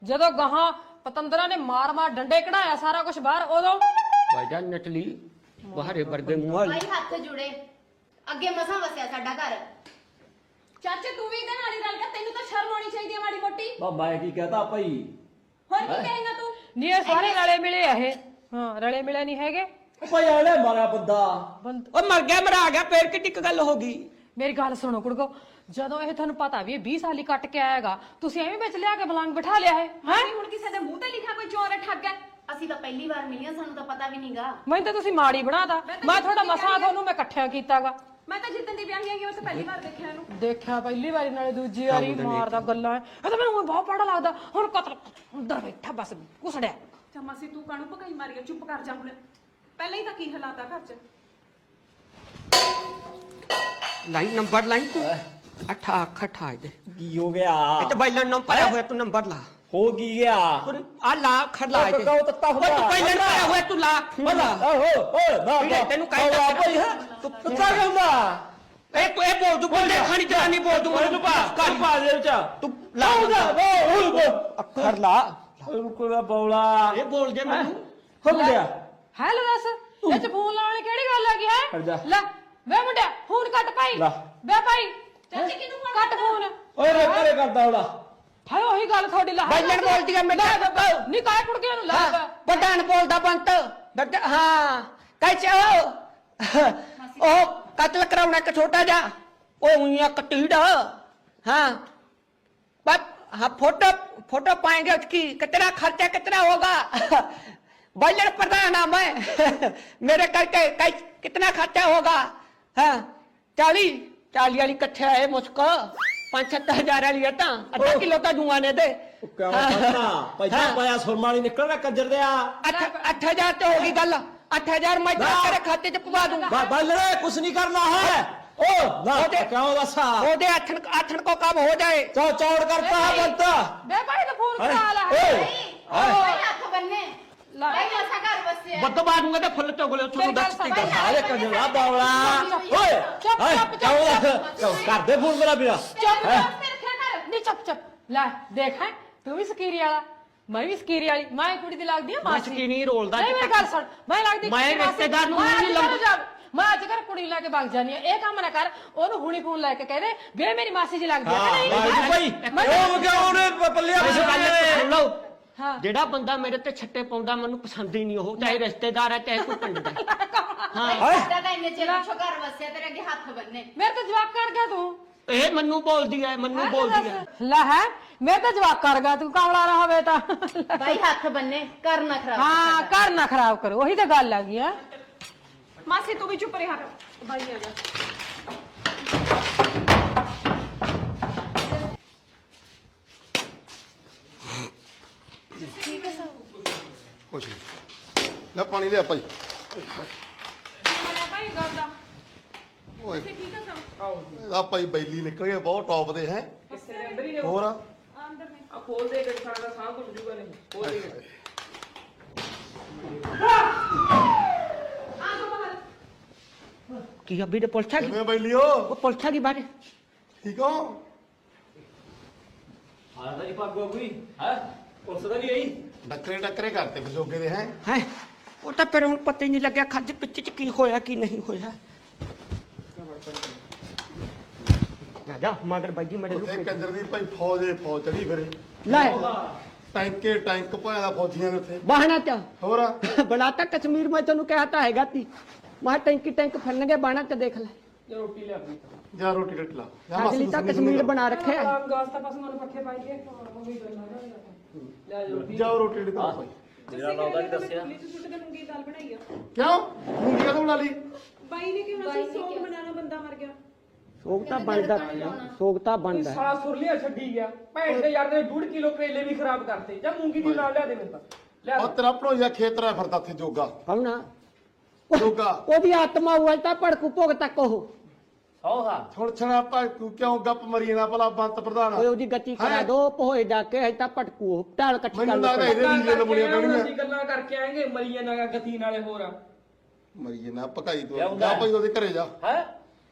ਜਦੋਂ ਗਾਹਾਂ ਪਤੰਦਰਾਂ ਨੇ ਮਾਰ ਡੰਡੇ ਕਢਾਇਆ ਸਾਰਾ ਕੁਝ ਬਾਹਰ ਉਦੋਂ ਭਾਈਜਾਨ ਨਟਲੀ ਬਾਹਰੇ ਵਰਗੇ ਮੂੰਹ ਵਾਲੀ ਭਾਈ ਹੱਥ ਜੁੜੇ ਅੱਗੇ ਮਸਾਂ ਵਸਿਆ ਸਾਡਾ ਘਰ। ਚਾਚੇ ਤੂੰ ਵੀ ਇਹਦੇ ਨਾਲ ਹੀ ਰਲ ਗਿਆ, ਤੈਨੂੰ ਤਾਂ ਸ਼ਰਮ ਆਉਣੀ ਚਾਹੀਦੀ ਹੈ ਮਾੜੀ ਮੋਟੀ। ਮੈਂ ਕੀ ਕਹਤਾ ਭਾਈ? ਹੋਰ ਕੀ ਕਹੇਂਗਾ ਤੂੰ? ਨਹੀਂ ਇਹ ਸਾਰੇ ਰਲੇ ਮਿਲੇ ਆ ਇਹ। ਹਾਂ ਰਲੇ ਮਿਲੇ ਨਹੀਂ ਹੈਗੇ। ਭਾਈ ਆਲੇ ਮਾਰਿਆ ਬੰਦਾ। ਉਹ ਮਰ ਗਿਆ ਮਰਾ ਗਿਆ ਫੇਰ ਕਿ ਟਿਕ ਗੱਲ ਹੋ ਗਈ। ਮੇਰੀ ਗੱਲ ਸੁਣੋ ਕੁੜਕੋ, ਜਦੋਂ ਇਹ ਤੁਹਾਨੂੰ ਪਤਾ ਵੀ ਇਹ 20 ਸਾਲ ਹੀ ਕੱਟ ਕੇ ਆਏਗਾ, ਤੁਸੀਂ ਐਵੇਂ ਵਿੱਚ ਲਿਆ ਕੇ ਬਲੰਗ ਬਿਠਾ ਲਿਆ ਹੈ। ਨਹੀਂ ਹੁਣ ਕਿਸੇ ਦੇ ਮੂੰਹ ਤੇ ਲਿਖਿਆ ਕੋਈ ਚੋਰ ਹੈ ਠੱਗ ਹੈ। ਅਸੀਂ ਤਾਂ ਪਹਿਲੀ ਵਾਰ ਮਿਲੀਆਂ, ਸਾਨੂੰ ਤਾਂ ਪਤਾ ਵੀ ਨਹੀਂਗਾ। ਮੈਨੂੰ ਤਾਂ ਤੁਸੀਂ ਮਾੜੀ ਬਣਾਤਾ। ਮੈਂ ਤੁਹਾਡਾ ਮਸਾ ਤੁਹਾਨੂੰ ਮੈਂ ਇਕੱਠਿਆ ਕੀਤਾਗਾ। ਮੈਂ ਤਾਂ ਜਿੱਦਣ ਦੀ ਵਿਆਹੀ ਆਈ ਉਹ ਤਾਂ ਪਹਿਲੀ ਵਾਰ ਦੇਖਿਆ ਇਹਨੂੰ। ਦੇਖਿਆ ਪਹਿਲੀ ਵਾਰੀ ਨਾਲੇ ਦੂਜੀ ਵਾਰੀ ਮਾਰਦਾ ਗੱਲਾਂ। ਇਹ ਤਾਂ ਮੈਨੂੰ ਬਹੁਤ ਪੜਾ ਲੱਗਦਾ। ਹੁਣ ਕਤਲ ਅੰਦਰ ਬੈਠਾ ਬਸ ਕੁਸੜਿਆ। ਚਮਾਸੀ ਤੂੰ ਕਾਹਨੂੰ ਭਕਾਈ ਮਾਰੀ ਆ? ਚੁੱਪ ਕਰ ਜਾ ਹੁਣ। ਪਹਿਲਾਂ ਹੀ ਤਾਂ ਕੀ ਹਾਲਾਤ ਆ ਘਰ 'ਚ। ਲਾਈਨ ਨੰਬਰ ਲਾਈਨ ਤੂੰ ਅੱਠਾ ਖਠਾ ਦੇ ਕੀ ਹੋ ਗਿਆ? ਇਹ ਤਾਂ ਬਾਈਲਨ ਨੰਬਰ ਪਾਇਆ ਹੋਇਆ ਤੂੰ ਨੰਬਰ ਲਾ। ਹੋ ਕੀ ਗਿਆ? ਆ ਲਾ ਖੜਲਾ ਇਹ ਕਹੋ ਤੱਤਾ ਉਹ ਤੂੰ ਬਾਈਲਨ ਪਾਇਆ ਹੋਇਆ ਤੂੰ ਲਾ ਓਏ ਓਏ ਨਾ ਤੈਨੂੰ ਕਹਿ ਭਾਈ ਹੈ ਤੂੰ ਕਿੱਥੇ ਹੁੰਦਾ? ਇਹ ਬੋਲ ਦੂ ਬੋਲ ਖਾਣੀ ਜਵਾਨੀ ਬੋਲ ਦੂ ਮੈਨੂੰ ਪਾ ਦੇ ਵਿੱਚ ਤੂੰ ਲਾ ਅੱਖਰ ਲਾ ਕੋਈ ਬੌਲਾ ਇਹ ਬੋਲ ਜੇ ਮੈਨੂੰ ਹੋ ਗਿਆ। ਹੈਲੋ ਦੱਸ ਇਹ ਚ ਫੋਨ ਲਾਉਣ ਦੀ ਕਿਹੜੀ ਗੱਲ ਆ ਗਈ ਹਟ ਜਾ। ਹੈ? ਲੈ ਵੇ ਮੁੰਡਿਆ ਫੋਨ ਕੱਟ ਭਾਈ। ਲਾ। ਵੇ ਭਾਈ ਚਾਚੀ ਕਿਹਨੂੰ ਕੱਟ ਫੋਨ। ਓਏ ਰੇ ਕਰੇ ਕਰਦਾ ਹੋਲਾ। ਹਾਏ ਉਹੀ ਗੱਲ ਤੁਹਾਡੀ ਲਾ। ਬਾਈਲਨ ਬੋਲਦੀ ਆ ਮੇਰੇ ਨਹੀਂ ਕਾਇ ਕੁੜਕੇ ਨੂੰ ਲਾ। ਪਟਾਨ ਬੋਲਦਾ ਬੰਤ ਹਾਂ ਕਹਿ ਉਹ ਕਤਲ ਕਰਾਉਣਾ ਇੱਕ ਛੋਟਾ ਜਾ ਉਹ ਉਈਆਂ ਕਟੀੜਾ हाँ बस हाँ फोटो पाएंगे उसकी कितना खर्चा कितना होगा बजट प्रधान है मैं मेरे करके कितना खर्चा होगा हाँ 40 वाली कट्ठे है मुझको 5-7 हजार वाली है आधा किलो तो जुआने दे पैसा पाया सुरमा नहीं निकल रहा कंजर दे 8,000 तो होगी गल 8,000 मैं तेरे खाते च पवा दूंगा बल कुछ नहीं करना है ओ ना क्यों दसा ओदे आठन को काम हो जाए चौड़ करता है बनता ਵੇ ਭਾਈ ਤਾਂ ਫੋਨ ਕਰਾ ਲਾ। ਭਾਈ ਹੱਥ ਬੰਨੇ ਲਾ। ਭਾਈ ਮਸਾਂ ਘਰ ਵਸਿਆ। बद मारूंगा तो फुल चोगले मेरी गल सुन। सारे कंजरा बावला ओए क्यों कर दे फोन मेरा बिना ਚੁੱਪ ਕਰ ਤੇ ਰੱਖਿਆ ਕਰ। ਨਹੀਂ ਚੁੱਪ ਲੈ ਦੇਖ ਹੈ ਤੂੰ ਵੀ ਸਕੀਰੀ ਵਾਲਾ ਮੈਂ ਵੀ ਸਕੀਰੀ ਵਾਲੀ। ਮੈਂ ਕੁੜੀ ਦੀ ਲੱਗਦੀ ਆ ਮਾਸੀ। ਸਕੀਰੀ ਰੋਲਦਾ ਨਹੀਂ ਮੇਰੀ ਗੱਲ ਸੁਣ ਮੈਂ ਲੱਗਦੀ ਮੈਂ ਰਿਸ਼ਤੇਦਾਰ ਨੂੰ ਨਹੀਂ ਲੰਦਾ। ਮੈਂ ਅੱਜ ਕਰ ਕੁੜੀ ਲੈ ਕੇ ਭੱਜ ਜਾਨੀ ਆ। ਇਹ ਕੰਮ ਨਾ ਕਰ। ਉਹਨੂੰ ਹੁਣੀ ਫੋਨ ਲੈ ਕੇ ਕਹਦੇ ਵੇ ਮੇਰੀ ਮਾਸੀ ਜੀ ਲੱਗਦੀ ਆ ਕਿ ਨਹੀਂ। ਭਾਈ ਉਹ ਕਿਉਂ ਉਹਨੇ ਪੱਲਿਆ ਸੁਣ ਲਓ ਹਾਂ ਜਿਹੜਾ ਬੰਦਾ ਮੇਰੇ ਤੇ ਛੱਟੇ ਪਾਉਂਦਾ ਮੈਨੂੰ ਪਸੰਦ ਹੀ ਨਹੀਂ ਉਹ ਚਾਹੇ ਰਿਸ਼ਤੇਦਾਰ ਹੈ ਚਾਹੇ ਕੋਈ ਪਿੰਡ ਦਾ ਭਾਈ ਸਾਡਾ ਤਾਂ ਇੰਨੇ ਚਿਰ ਪਿੱਛੋਂ ਘਰ ਵਸਿਆ, ਤੇਰੇ ਅੱਗੇ ਹੱਥ ਬੰਨੇ। ਮੇਰੇ ਤਾਂ ਜਵਾਕ ਕਰ ਗਿਆ ਤੂੰ। ਇਹ ਮੈਨੂੰ ਬੋਲਦੀ ਹੈ ਮੈਨੂੰ ਬੋਲਦੀ ਹੈ ਲੈ ਹੈ ਮੈਂ ਤਾਂ ਜਵਾਕ ਕਰ ਗਿਆ ਤੂੰ ਕਮਲਾ ਨਾ ਹੋਵੇ ਤਾਂ। ਭਾਈ ਹੱਥ ਬੰਨੇ ਘਰ ਨਾ ਖਰਾਬ। ਹਾਂ ਘਰ ਨਾ ਖਰਾਬ ਕਰੋ ਉਹੀ ਤਾਂ ਗੱਲ ਆ ਗਈ ਆ। ਮਾਸੀ ਤੂੰ ਵੀ ਚੁੱਪ ਰਿਹਾ ਕਰ। ਭਾਈ ਆ ਜਾ। ਕੁਛ ਨਹੀਂ ਲੈ ਪਾਣੀ ਲਿਆ ਭਾਈ ਮੈਂ ਭਾਈ ਗੱਲ ਦਾ ਓਏ ਠੀਕ ਆ ਸਭ ਇਹਦਾ ਭਾਈ ਬੈਲੀ ਨਿਕਲ ਗਿਆ ਬਹੁਤ ਟੌਪ ਦੇ ਹੈ ਹੋਰ ਅੰਦਰ ਨੇ। ਖੋਲ ਦੇ ਗੱਡੀ ਸਾਡਾ ਸਾਹ ਘੁੱਟ ਜੂਗਾ ਨਹੀਂ ਖੋਲ ਦੇ। ਆ ਜਾ ਬਾਹਰ। ਕੀ ਅਭੀ ਦੇ ਪੁਲਛਾ ਕੀ ਕਿਵੇਂ ਬੈਲੀਓ ਉਹ ਪੁਲਛਾ ਕੀ ਬਾਰੇ ਠੀਕ ਹੋ ਹਾਂ ਤਾਂ ਪੱਗ ਹੋ ਗਈ ਹੈ ਪੁਲਿਸ ਦਾ ਨਹੀਂ ਆਈ ਟੱਕਰੇ ਕਰਤੇ ਬਜੋਗੇ ਦੇ ਹੈ ਹੈ ਉਹ ਤਾਂ ਫਿਰ ਹੁਣ ਪਤਾ ਹੀ ਨਹੀਂ ਲੱਗਿਆ ਖੱਜ ਪਿੱਛੇ ਚ ਕੀ ਹੋਇਆ ਕੀ ਨਹੀਂ ਹੋਇਆ ਜਾ ਮਗਰ ਬਾਜੀ ਮੇਰੇ ਉੱਥੇ ਲੁਕੇ ਕੰਜਰ ਦੀ ਭਾਈ ਫੌਜ ਚੜੀ ਫਿਰੇ ਲੈ ਟੈਂਕ ਪਾਇਆ ਦਾ ਫੌਜੀਆਂ ਦੇ ਉੱਥੇ ਬਾਹਣਾ ਚ ਹੋਰ ਬਣਾਤਾ ਕਸ਼ਮੀਰ ਮੈਂ ਤੈਨੂੰ ਕਿਹਾ ਤਾਂ ਹੈਗਾ ਤੀ ਮੈਂ ਟੈਂਕ ਫੜਨਗੇ ਬਾਣਾ ਚ ਦੇਖ ਲੈ ਰੋਟੀ ਲਿਆ ਪੀ ਜਾ ਰੋਟੀ ਰੱਖ ਲਾ ਅਗਲੀ ਤਾਂ ਕਸ਼ਮੀਰ ਬਣਾ ਰੱਖਿਆ ਹੈ। ਗਾਸਤਾ ਪਸ਼ੂਆਂ ਨੂੰ ਪੱਠੇ ਪਾਈ ਕੇ ਉਹੀ ਗੱਲਾਂ ਲੈ ਰੋਟੀ। ਜਾ ਰੋਟੀ ਢੀ ਭਾਈ ਮੇਰਾ ਨਾਮ ਦਾ ਦੱਸਿਆ। ਪੁਲਿਸ ਸੁੱਟ ਕੇ ਮੂੰਗੀ ਦਾਲ ਬਣਾਈ ਆ। ਕਿਉਂ ਮੂੰਗੀ ਕਦੋਂ ਬਣਾ ਲਈ ਬਾਈ ਨੇ ਕਿਹਾ ਸੀ ਸੋਗ ਬਣਾਣਾ ਬੰਦਾ ਮਰ ਗਿਆ। ਸੋਗ ਤਾਂ ਬਣਦਾ ਸਾਲਾ ਸੁਰਲੀਆ ਛੱਡੀ ਗਿਆ ਭੈਣ ਦੇ ਯਾਰ ਨੇ 1.5 ਕਿਲੋ ਕਰੇਲੇ ਵੀ ਖਰਾਬ ਕਰਤੇ ਜਾਂ ਮੂੰਗੀ ਦੀ ਨਾਲ ਲਿਆ ਦੇ ਮੈਨੂੰ ਤਾਂ ਲਿਆ ਉਹ ਤੇਰਾ ਭਣੋਈਆ ਖੇਤਰਾ ਫਿਰਦਾ ਇੱਥੇ ਜੋਗਾ ਕੌਣਾ ਜੋਗਾ ਉਹਦੀ ਆਤਮਾ ਹੋਇਆ ਤਾਂ ਭੜਕੂ ਭੋਗ ਤੱਕ ਉਹ ਸੌਹਾ ਹੁਣ ਛਣਾ ਤੂੰ ਕਿਉਂ ਗੱਪ ਮਰੀ ਨਾ ਭਲਾ ਬੰਤ ਪ੍ਰਧਾਨ ਓਏ ਉਹਦੀ ਗਤੀ ਕਰਾ ਦੋ ਭੋਏ ਜਾ ਕੇ ਹੈ ਤਾਂ ਭਟਕੂ ਉਹ ਢਾਲ ਇਕੱਠੀ ਕਰ ਮੈਨੂੰ ਲੱਗਦਾ ਇਹਦੇ ਨੀਲੇ ਨਮੂਨੀਆਂ ਪੈਣੀਆਂ ਅਸੀਂ ਗੱਲਾਂ ਕਰਕੇ ਆਏਗੇ ਮਲੀਏ ਨਾ ਗਤੀ ਨਾਲੇ ਹੋਰ ਮਰੀਏ ਨਾ ਪਕਾਈ ਤੂੰ ਜਾ ਭਾਈ ਉਹਦੇ ਘਰੇ ਜਾ ਹੈ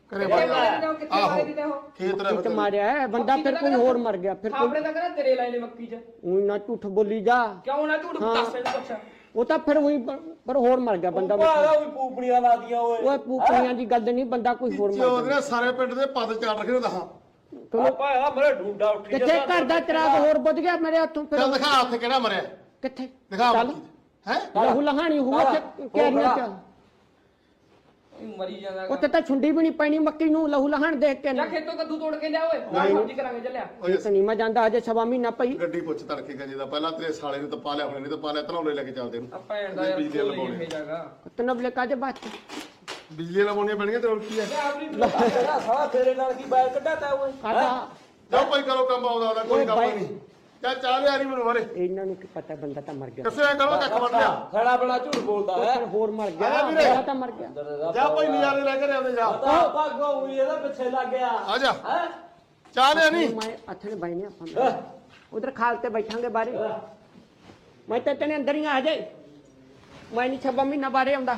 ਘਰੇ ਵੜ ਜਾ ਆਹੋ ਖੇਤ ਰੇ ਕਿਤ ਮਾਰਿਆ ਹੈ, ਬੰਦਾ ਫਿਰ ਕੋਈ ਹੋਰ ਮਰ ਗਿਆ ਫਿਰ ਕੋਈ ਆਪਣੇ ਤਾਂ ਕਰਾ ਤੇਰੇ ਲਾਏ ਨੇ ਮੱਕੀ 'ਚ ਊਂ ਨਾ ਝੂਠ ਬੋਲੀ ਜਾ ਕਿਉਂ ਨਾ ਝੂਠ ਦੱਸ ਇਹਨੂੰ ਕੁਛ ਉਹ ਤਾਂ ਫਿਰ ਉਹੀ ਪਰ ਹੋਰ ਮਰ ਗਿਆ ਬੰਦਾ ਭਾਗਾ ਵੀ ਪੂਪੜੀਆਂ ਲਾਦੀਆਂ ਓਏ ਓਏ ਪੂਪਣੀਆਂ ਦੀ ਗੱਲ ਨਹੀਂ ਬੰਦਾ ਕੋਈ ਹੋਰ ਮਰ ਉਹਦੇ ਨਾਲ ਸਾਰੇ ਪਿੰਡ ਦੇ ਪੱਦ ਚਾੜ ਰੱਖੇ ਨੇ ਦਹਾਂ ਗਿਆ ਭਾਗਾ ਮੇਰੇ ਢੂੰਡਾ ਉੱਠੀ ਕਿੱਥੇ ਘਰ ਦਾ ਚਿਰਾਗ ਹੋਰ ਬੁੱਝ ਗਿਆ ਮੇਰੇ ਹੱਥੋਂ ਫਿਰ ਚੱਲ ਦਿਖਾ ਹੱਥ ਕਿਹੜਾ ਮਰਿਆ ਕਿੱਥੇ ਦਿਖਾ ਚੱਲ ਹੈ ਲਹੂ ਲਹਾਣੀ ਹੋਊ ਉੱਥੇ ਕੈਰੀਆਂ ਚ ਮਰੀ ਜਾਂਦਾ ਉੱਥੇ ਤਾਂ ਛੁੰਡੀ ਵੀ ਨਹੀਂ ਪੈਣੀ ਮੱਕੀ ਨੂੰ ਲਹੂ ਲਹਾਣ ਦੇਖ ਕੇ ਜਾ ਖੇਤੋਂ ਕੱਦੂ ਤੋੜ ਕੇ ਲਿਆ ਓਏ ਨਾਲ ਸਬਜ਼ੀ ਕਰਾਂਗੇ ਚੱਲਿਆ ਓਏ ਤੇ ਨਹੀਂ ਮੈਂ ਜਾਂਦਾ ਅਜੇ ਸਵਾ ਮਹੀਨਾ ਪਈ ਗੱਡੀ ਪੁੱਛ ਤੜਕੇ ਗੰਜੇ ਦਾ ਪਹਿਲਾਂ ਤੇਰੇ ਸਾਲੇ ਨੂੰ ਤਾਂ ਪਾ ਲਿਆ ਹੁਣੇ ਨਹੀਂ ਤਾਂ ਪਾ ਲਿਆ ਧਨੌਲੇ ਲੈ ਕੇ ਚੱਲਦੇ ਆ ਨੂੰ ਭੈਣ ਦਾ ਯਾਰ ਬਿਜਲੀ ਕੋਈ ਲਵਾਉਣੀ ਇਹ ਜਾਗਾ ਤਨਬ ਲੈ ਕਾਦੇ ਬਾਤ ਬਿਜਲੀ ਲਵਾਉਣੀਆਂ ਪੈਣੀਆਂ ਤੇ ਹੋਰ ਕੀ ਹੈ ਸਾਲਾ ਤੇਰੇ ਨਾਲ ਕੀ ਬੈਲ ਕੱਢਾਤਾ ਓਏ ਕਾਦਾ ਜਾਓ ਭਾਈ ਕਰੋ ਕੰਮ ਆਉਂਦਾ ਉਹਦਾ ਕੋਈ ਕੰਮ ਨਹੀਂ ਚੱਲ ਚਾਹ ਲਿਆ ਨਹੀਂ ਮੈਨੂੰ ਮਾਰੇ ਇਹਨਾਂ ਨੂੰ ਕੀ ਪਤਾ ਬੰਦਾ ਤਾਂ ਮਰ ਗਿਆ ਕੱਸੇ ਕਰੋ ਕੱਖ ਵੱਢ ਲਿਆ ਖੜਾ ਬੜਾ ਝੂਠ ਬੋਲਦਾ ਹੈ ਫਿਰ ਹੋਰ ਮਰ ਗਿਆ ਆ ਵੀਰੇ। ਬੰਦਾ ਤਾਂ ਮਰ ਗਿਆ ਜਾ ਭਾਈ ਨਜ਼ਾਰੇ ਲੈ ਕੇ ਆਉਂਦੇ ਜਾ ਭਾਗੋ ਹੋਈ ਇਹਦਾ ਪਿੱਛੇ ਲੱਗ ਗਿਆ ਆ ਜਾ ਚਾਹ ਲਿਆ ਨਹੀਂ ਮੈਂ ਅੱਥੇ ਬੈਠਨੇ ਆਪਾਂ ਉਧਰ ਖਾਲ ਤੇ ਬੈਠਾਂਗੇ ਬਾਰੇ ਮੈਂ ਤਾਂ ਤੇਨੇ ਅੰਦਰ ਹੀ ਆ ਜਾਏ ਮੈਂ ਨਹੀਂ 6 ਮਹੀਨਾ ਬਾਰੇ ਆਉਂਦਾ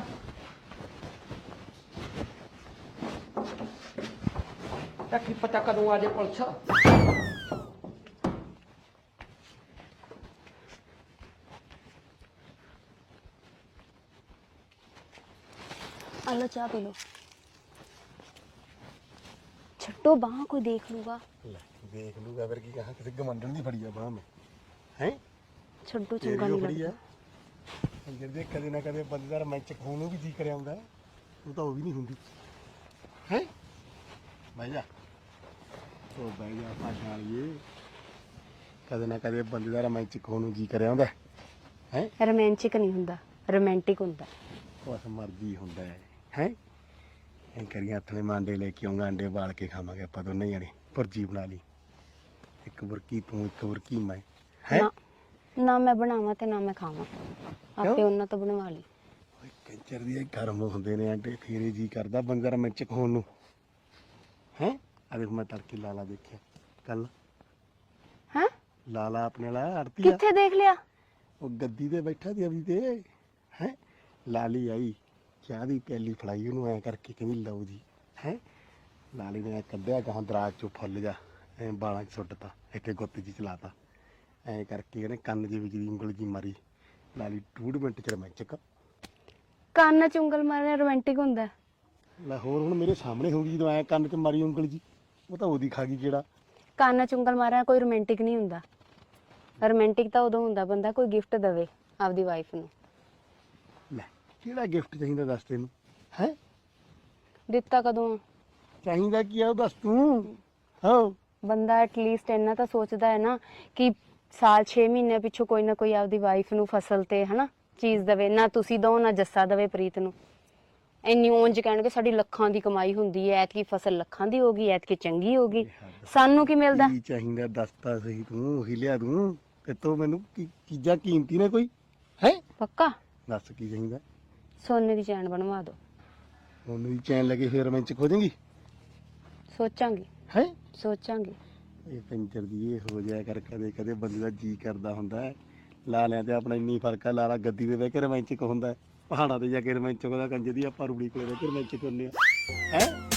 ਤਾਂ ਕੀ ਪਤਾ ਕਦੋਂ ਆ ਜਾਏ ਪੁਲਿਸ आलो चाय पी लो छट्टो बाह कोई देख लूगा ਦੇਖ ਲੂਗਾ ਫਿਰ ਕੀ ਕਹਾਂ ਕਿਸੇ ਗਮੰਡਣ ਦੀ ਫੜੀ ਆ ਬਾਹ ਮੈਂ ਹੈ छड्डो चंगा नहीं ਫੜੀ ਆ लगता ਅੰਦਰ ਦੇ ਕਦੇ ਨਾ ਕਦੇ ਬੰਦੇ ਦਾ ਮੈਚ ਖਾਣ ਨੂੰ ਵੀ ਜੀ ਕਰਿਆ ਹੁੰਦਾ ਉਹ ਤਾਂ ਉਹ ਵੀ ਨਹੀਂ ਹੁੰਦੀ ਹੈ ਬਹਿ ਜਾ ਉਹ ਬਹਿ ਜਾ ਭਾਸ਼ਾ ਵਾਲੀਏ ਕਦੇ ਨਾ ਕਦੇ ਬੰਦੇ ਦਾ ਮੈਚ ਖਾਣ ਨੂੰ ਜੀ ਕਰਿਆ ਹੁੰਦਾ ਹੈ रोमांटिक नहीं हुंदा रोमांटिक हुंदा ਉਸ ਮਰਜ਼ੀ ਹੁੰਦਾ ਹੈ ਐਂ ਕਰੀਏ ਹੱਥਲੇ ਮਾਂਡੇ ਲੈ ਕੇ ਆਉਂਗਾ ਅੰਡੇ ਬਾਲ ਕੇ ਖਾਵਾਂਗੇ ਆਪਾਂ ਦੋਨੇ ਜਣੇ ਭੁਰਜੀ ਬਣਾ ਲਈ ਇੱਕ ਬੁਰਕੀ ਤੂੰ ਇੱਕ ਬੁਰਕੀ ਮੈਂ ਹੈ ना ना मैं बनावा ते ना मैं खावा आपे उन्ना तो बनवा ली ਓਏ ਕੰਚਰ ਦੀ ਗਰਮ ਹੁੰਦੇ ਨੇ ਅੰਡੇ ਫੇਰੇ ਜੀ ਕਰਦਾ ਬੰਦੇ ਦਾ ਮੈਚ ਖਾਣ ਨੂੰ ਹੈ ਆ ਦੇਖ ਮੈਂ ਤੜਕੇ ਲਾਲਾ ਦੇਖਿਆ ਕੱਲ हैं ਲਾਲਾ ਆਪਣੇ ਵਾਲਾ ਆੜਤੀ ਆ किथे देख लिया ਉਹ ਗੱਦੀ ਤੇ ਬੈਠਾ ਦੀ ਅਭੀ ਤੇ ਹੈ ਲਾਲੀ ਆਈ ਚਾਹ ਦੀ ਪਿਆਲੀ ਫੜਾਈ ਉਹਨੂੰ ਐ ਕਰਕੇ ਕਹਿੰਦੀ ਲਓ ਜੀ ਹੈ ਲਾਲੀ ਨੇ ਕੱਢਿਆ ਗਾਂ ਦਰਾਜ ਚੋਂ ਫੁੱਲ ਜਾ ਐ ਬਾਲਾਂ 'ਚ ਸੁੱਟਤਾ ਇੱਥੇ ਗੁੱਤ ਜੀ ਚਲਾਤਾ ਐ ਕਰਕੇ ਇਹਨੇ ਕੰਨ ਦੇ ਵਿੱਚ ਦੀ ਉਂਗਲ ਜੀ ਮਾਰੀ ਲਾਲੀ 2 ਮਿੰਟ ਚ ਰਮੈਚਕ कान च उंगल मारना रोमांटिक हुंदा ਲੈ ਹੋਰ ਹੁਣ ਮੇਰੇ ਸਾਹਮਣੇ ਹੋ ਗਈ ਜਦੋਂ ਐ ਕੰਨ 'ਚ ਮਾਰੀ ਉਂਗਲ ਜੀ ਉਹ ਤਾਂ ਉਹਦੀ ਖਾ ਗਈ ਕਿਹੜਾ कान च उंगल मारना कोई रोमांटिक नहीं हुंदा रोमांटिक ਤਾਂ ਉਦੋਂ ਹੁੰਦਾ ਬੰਦਾ ਕੋਈ ਗਿਫਟ ਦੇਵੇ ਆਪਦੀ ਵਾਈਫ ਨੂੰ ਲੈ ਕਿਹੜਾ ਗਿਫਟ ਚਾਹੀਦਾ ਦੱਸ ਤੈਨੂੰ ਹੈ ਦਿੱਤਾ ਕਦੋਂ ਚਾਹੀਦਾ ਕੀ ਆ ਉਹ ਦੱਸ ਤੂੰ ਹਾਂ ਬੰਦਾ ਐਟਲੀਸਟ ਇੰਨਾ ਤਾਂ ਸੋਚਦਾ ਹੈ ਨਾ ਕਿ ਸਾਲ 6 ਮਹੀਨੇ ਪਿੱਛੋਂ ਕੋਈ ਨਾ ਕੋਈ ਆਪਦੀ ਵਾਈਫ ਨੂੰ ਫਸਲ ਤੇ ਹਨਾ ਚੀਜ਼ ਦੇਵੇ ਨਾ ਤੁਸੀਂ ਦੋ ਨਾ ਜੱਸਾ ਦੇਵੇ ਪ੍ਰੀਤ ਨੂੰ ਇੰਨੀ ਉਂਝ ਕਹਿਣਗੇ ਸਾਡੀ ਲੱਖਾਂ ਦੀ ਕਮਾਈ ਹੁੰਦੀ ਹੈ ਐਤਕੀ ਫਸਲ ਲੱਖਾਂ ਦੀ ਹੋਗੀ ਐਤਕੀ ਚੰਗੀ ਹੋਗੀ ਸਾਨੂੰ ਕੀ ਮਿਲਦਾ ਕੀ ਚਾਹੀਦਾ ਦੱਸਤਾ ਸਹੀ ਤੂੰ ਉਹੀ ਲਿਆ ਦੂੰ ਤੇ ਤੂੰ ਮੈਨੂੰ ਕੀ ਚੀਜ਼ਾਂ ਕੀਮਤੀ ਨੇ ਕੋਈ ਹੈ ਪੱਕਾ ਦੱਸ ਕੀ ਚਾਹੀਦਾ ਸੋਨੇ ਦੀ ਚੈਨ ਬਣਵਾ ਦਿਓ ਉਹਨੂੰ ਵੀ ਚੈਨ ਲੱਗੇ ਫੇਰ ਮੈਂ ਚ ਖੋਜੇਂਗੀ ਸੋਚਾਂਗੀ ਹੈ ਸੋਚਾਂਗੀ ਇਹ ਪੰਚਰ ਦੀ ਇਹ ਹੋ ਜਾਇਆ ਕਰ ਕਦੇ ਕਦੇ ਬੰਦੇ ਦਾ ਜੀ ਕਰਦਾ ਹੁੰਦਾ ਹੈ ਲਾ ਲਿਆ ਤੇ ਆਪਣਾ ਇੰਨੀ ਫਰਕ ਹੈ ਲਾਲਾ ਗੱਦੀ ਦੇ ਬਹਿ ਕੇ ਰੋਮਾਂਚਿਕ ਹੁੰਦਾ ਹੈ ਪਹਾੜਾਂ ਤੇ ਜਾ ਕੇ ਰੋਮਾਂਚਿਕ ਉਹਦਾ ਕੰਜੇ ਦੀ ਆਪਾਂ ਰੂੜੀ ਕੋਲੇ ਬਹਿ ਕੇ ਰੋਮਾਂਚਿਕ ਹੁੰਦੇ ਆ ਹੈ